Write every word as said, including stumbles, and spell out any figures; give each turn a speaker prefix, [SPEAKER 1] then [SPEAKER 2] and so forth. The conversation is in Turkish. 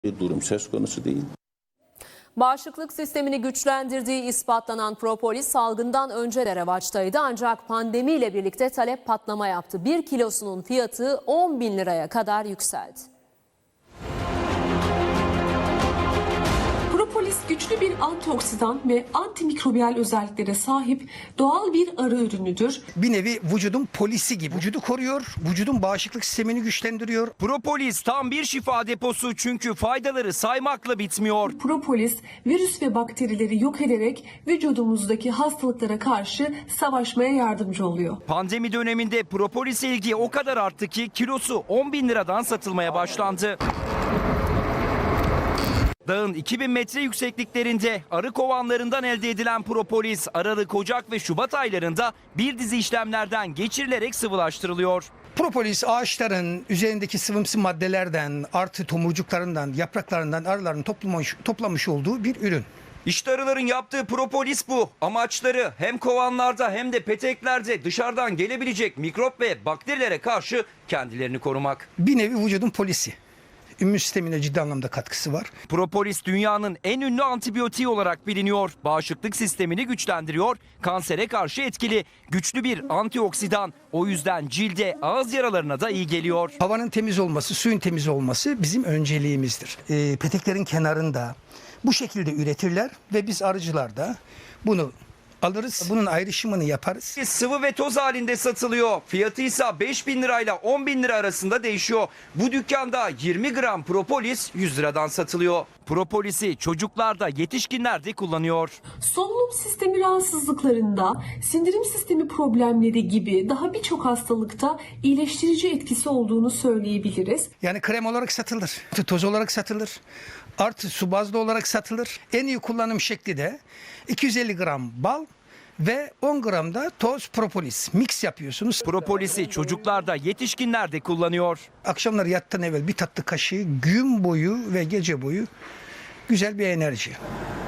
[SPEAKER 1] Bir durum söz konusu değil.
[SPEAKER 2] Bağışıklık sistemini güçlendirdiği ispatlanan propolis salgından önce de revaçtaydı ancak pandemiyle birlikte talep patlama yaptı. Bir kilosunun fiyatı on bin liraya kadar yükseldi.
[SPEAKER 3] Propolis güçlü bir antioksidan ve antimikrobiyal özelliklere sahip doğal bir arı ürünüdür.
[SPEAKER 4] Bir nevi vücudun polisi gibi. Vücudu koruyor, vücudun bağışıklık sistemini güçlendiriyor.
[SPEAKER 5] Propolis tam bir şifa deposu çünkü faydaları saymakla bitmiyor.
[SPEAKER 3] Propolis virüs ve bakterileri yok ederek vücudumuzdaki hastalıklara karşı savaşmaya yardımcı oluyor.
[SPEAKER 5] Pandemi döneminde propolis ilgi o kadar arttı ki kilosu on bin liradan satılmaya başlandı. Dağın iki bin metre yüksekliklerinde arı kovanlarından elde edilen propolis Aralık, Ocak ve Şubat aylarında bir dizi işlemlerden geçirilerek sıvılaştırılıyor.
[SPEAKER 4] Propolis ağaçların üzerindeki sıvımsı maddelerden, artı tomurcuklarından, yapraklarından arıların toplamış, toplamış olduğu bir ürün.
[SPEAKER 5] İşte arıların yaptığı propolis bu. Amaçları hem kovanlarda hem de peteklerde dışarıdan gelebilecek mikrop ve bakterilere karşı kendilerini korumak.
[SPEAKER 4] Bir nevi vücudun polisi. İmmün sistemine ciddi anlamda katkısı var.
[SPEAKER 5] Propolis dünyanın en ünlü antibiyotiği olarak biliniyor. Bağışıklık sistemini güçlendiriyor, kansere karşı etkili, güçlü bir antioksidan. O yüzden cilde, ağız yaralarına da iyi geliyor.
[SPEAKER 4] Havanın temiz olması, suyun temiz olması bizim önceliğimizdir. E, peteklerin kenarında bu şekilde üretirler ve biz arıcılar da bunu alırız. Bunun ayrışımını yaparız.
[SPEAKER 5] Sıvı ve toz halinde satılıyor. Fiyatı ise beş bin lirayla on bin lira arasında değişiyor. Bu dükkanda yirmi gram propolis yüz liradan satılıyor. Propolisi çocuklarda, yetişkinlerde kullanıyor.
[SPEAKER 3] Solunum sistemi rahatsızlıklarında, sindirim sistemi problemleri gibi daha birçok hastalıkta iyileştirici etkisi olduğunu söyleyebiliriz.
[SPEAKER 4] Yani krem olarak satılır, toz olarak satılır, artı su bazlı olarak satılır. En iyi kullanım şekli de iki yüz elli gram bal ve on gram da toz propolis mix yapıyorsunuz.
[SPEAKER 5] Propolisi çocuklarda, yetişkinlerde kullanıyor.
[SPEAKER 4] Akşamları yattan evvel bir tatlı kaşığı gün boyu ve gece boyu güzel bir enerji.